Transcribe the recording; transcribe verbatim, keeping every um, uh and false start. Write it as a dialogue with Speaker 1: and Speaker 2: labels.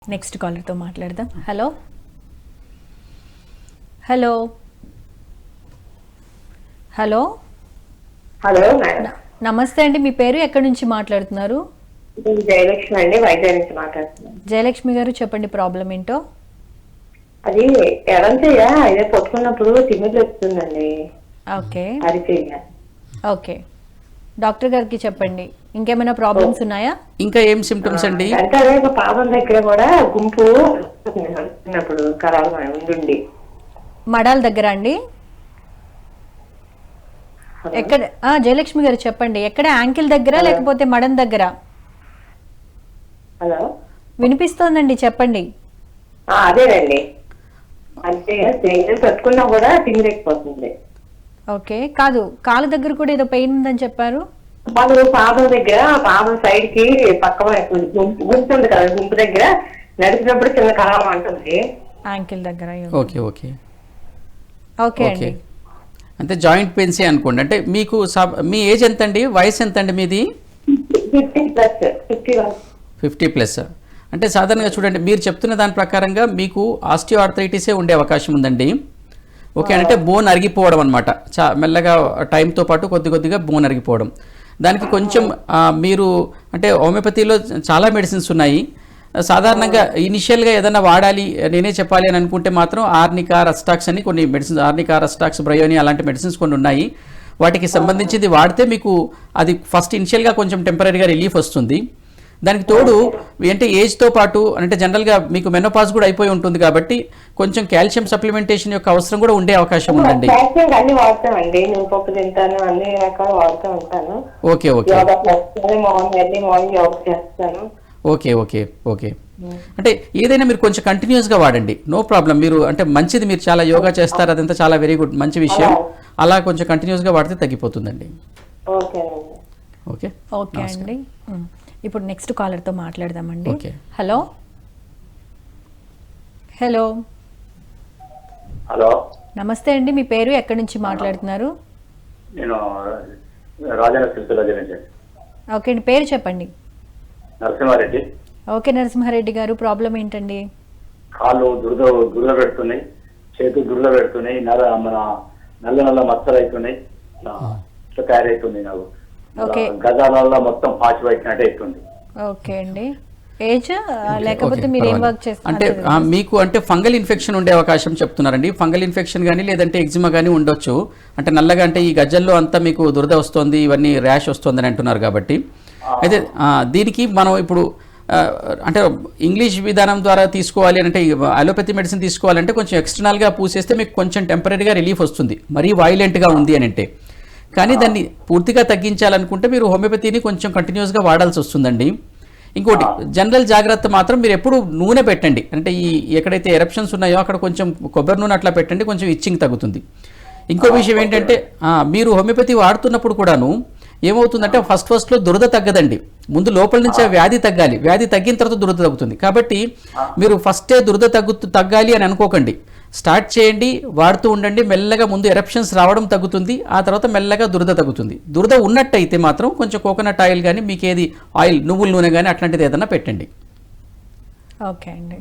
Speaker 1: Next కాలర్తో మాట్లాడదాం. Hello hello hello
Speaker 2: hello madam,
Speaker 1: నమస్తే అండి. మీ పేరు ఎక్కడి నుంచి మాట్లాడుతున్నారు?
Speaker 2: నేను జయలక్ష్మి అండి, వైజాగ్ నుంచి మాట్లాడుతున్నాను.
Speaker 1: జయలక్ష్మి గారు చెప్పండి, ప్రాబ్లం ఏంటో.
Speaker 2: అది ఎడంచెయ్య ఇదే పట్టుకున్నప్పుడు తిమ్మిది వస్తుందండి.
Speaker 1: ఓకే
Speaker 2: అరిచెయ్య.
Speaker 1: ఓకే, డాక్టర్ గారికి చెప్పండి. ఇంకేమైనా ప్రాబ్లమ్స్ ఉన్నాయా?
Speaker 3: ఇంకా ఏం సిమ్టమ్స్ అండి?
Speaker 2: అంటే అదే ఒక పాదం దగ్గర కూడా గుంపు వస్తున్నప్పుడు కరాలు ఉండి.
Speaker 1: మడాల దగ్గర అండి? ఎక్కడ? ఆ, జయలక్ష్మి గారు చెప్పండి, ఎక్కడ? యాంకిల్ దగ్గర లేకపోతే మడం దగ్గర?
Speaker 2: హలో,
Speaker 1: వినిపిస్తోందండి, చెప్పండి.
Speaker 2: ఆ, అదేనండి. అంటే పట్టుకున్నా కూడా తిమ్మిరెక్కిపోతుంది.
Speaker 1: ఓకే, కాదు, కాలు దగ్గర కూడా ఏదో పెయిన్ ఉందని చెప్పారు.
Speaker 2: వాళ్ళు పాదం దగ్గర, పాదం సైడ్ కి పక్క గుంపు గుంపు ఉంది కదా, గుంపు దగ్గర నడిచినప్పుడు చిన్న కరాలం అంటుంది.
Speaker 1: యాంకిల్ దగ్గర.
Speaker 3: ఓకే ఓకే
Speaker 1: ఓకే అండి.
Speaker 3: అంటే జాయింట్ పెయిన్సే అనుకోండి. అంటే మీకు మీ ఏజ్ ఎంత అండి? వయసు ఎంత అండి మీది?
Speaker 2: Fifty plus. Fifty one.
Speaker 3: Fifty plus. అంటే సాధారణంగా చూడండి, మీరు చెప్తున్న దాని ప్రకారంగా మీకు ఆస్టియో ఆర్థరైటిసే ఉండే అవకాశం ఉందండి. ఓకే, అంటే బోన్ అరిగిపోవడం అనమాట. చా మెల్లగా టైంతో పాటు కొద్ది కొద్దిగా బోన్ అరిగిపోవడం. దానికి కొంచెం మీరు అంటే హోమియోపతిలో చాలా మెడిసిన్స్ ఉన్నాయి. సాధారణంగా ఇనిషియల్గా ఏదైనా వాడాలి, నేనే చెప్పాలి అని అనుకుంటే మాత్రం ఆర్నికా, రస్టాక్స్ అని కొన్ని మెడిసిన్స్, ఆర్నికా, రస్టాక్స్, బ్రయోని అలాంటి మెడిసిన్స్ కొన్ని ఉన్నాయి. వాటికి సంబంధించింది వాడితే మీకు అది ఫస్ట్ ఇనిషియల్గా కొంచెం టెంపరీగా రిలీఫ్ వస్తుంది. దానికి తోడు అంటే ఏజ్తో పాటు అంటే జనరల్గా మీకు మెనోపాజ్ కూడా అయిపోయి ఉంటుంది కాబట్టి కొంచెం కాల్షియం సప్లిమెంటేషన్ యొక్క అవసరం కూడా ఉండే అవకాశం ఉందండి.
Speaker 2: అన్ని వాడతామండి, నేను పప్పు తింటాను, అన్ని రకాలు వాడుతూ ఉంటాను.
Speaker 3: Okay okay
Speaker 2: morning morning yoga చేస్తాను.
Speaker 3: ఓకే ఓకే ఓకే అంటే ఏదైనా మీరు కొంచెం కంటిన్యూస్గా వాడండి, నో ప్రాబ్లం. మీరు అంటే మంచిది, మీరు చాలా యోగా చేస్తారు, అదంతా చాలా వెరీ గుడ్, మంచి విషయం. అలా కొంచెం కంటిన్యూస్గా వాడితే తగ్గిపోతుందండి.
Speaker 2: ఓకే
Speaker 3: ఓకే
Speaker 1: ఓకే అండి. ఇప్పుడు నెక్స్ట్ కాలర్తో మాట్లాడదామండి.
Speaker 3: ఓకే.
Speaker 1: హలో హలో
Speaker 4: హలో,
Speaker 1: నమస్తే అండి. మీ పేరు ఎక్కడి నుంచి మాట్లాడుతున్నారు?
Speaker 4: నేను రాజన్న సిరిసిల్ల నుంచి.
Speaker 1: ఓకే అండి, పేరు చెప్పండి.
Speaker 4: నరసింహారెడ్డి.
Speaker 1: ఓకే నరసింహారెడ్డి గారు, ప్రాబ్లం ఏంటండి?
Speaker 4: కాళ్ళు దురద దురద పెడుతున్నాయి, చేతులు దురద పెడుతున్నాయి, నల్ల మన నల్ల నల్ల మచ్చలు అవుతున్నాయి, ఇట్లా తయారవుతుంది. నాకు
Speaker 1: ఓకే.
Speaker 4: గజాలలో మొత్తం పాచి పెట్టినట్టు అవుతుంది.
Speaker 1: ఓకే అండి. ఏజ్ లేకపోతే మీరు ఏం వర్క్
Speaker 3: అంటే
Speaker 1: చేస్తారు?
Speaker 3: మీకు అంటే ఫంగల్ ఇన్ఫెక్షన్ ఉండే అవకాశం చెప్తున్నారండి. ఫంగల్ ఇన్ఫెక్షన్ కానీ లేదంటే ఎగ్జిమా కానీ ఉండొచ్చు. అంటే నల్లగా అంటే ఈ గజ్జల్లో అంతా మీకు దురద వస్తుంది, ఇవన్నీ ర్యాష్ వస్తుందని అంటున్నారు కాబట్టి. అయితే దీనికి మనం ఇప్పుడు అంటే ఇంగ్లీష్ విధానం ద్వారా తీసుకోవాలి అంటే అలోపతి మెడిసిన్ తీసుకోవాలంటే కొంచెం ఎక్స్టర్నల్గా పూసేస్తే మీకు కొంచెం టెంపరీగా రిలీఫ్ వస్తుంది, మరీ వైలెంట్గా ఉంది అని అంటే. కానీ దాన్ని పూర్తిగా తగ్గించాలనుకుంటే మీరు హోమియోపతిని కొంచెం కంటిన్యూస్గా వాడాల్సి వస్తుందండి. ఇంకోటి జనరల్ జాగ్రత్త మాత్రం, మీరు ఎప్పుడు నూనె పెట్టండి. అంటే ఈ ఎక్కడైతే ఎరప్షన్స్ ఉన్నాయో అక్కడ కొంచెం కొబ్బరి నూనె అట్లా పెట్టండి, కొంచెం ఇచ్చింగ్ తగ్గుతుంది. ఇంకో విషయం ఏంటంటే మీరు హోమియోపతి వాడుతున్నప్పుడు కూడాను ఏమవుతుందంటే ఫస్ట్ ఫస్ట్లో దురద తగ్గదండి, ముందు లోపల నుంచి వ్యాధి తగ్గాలి. వ్యాధి తగ్గిన తర్వాత దురద తగ్గుతుంది. కాబట్టి మీరు ఫస్టే దురద తగ్గు తగ్గాలి అని అనుకోకండి. స్టార్ట్ చేయండి, వాడుతూ ఉండండి. మెల్లగా ముందు ఎరప్షన్స్ రావడం తగ్గుతుంది, ఆ తర్వాత మెల్లగా దురద తగ్గుతుంది. దురద ఉన్నట్టయితే మాత్రం కొంచెం కోకోనట్ ఆయిల్ కానీ మీకు ఏది ఆయిల్ నువ్వుల నూనె కానీ అట్లాంటిది ఏదైనా పెట్టండి.
Speaker 1: ఓకే అండి.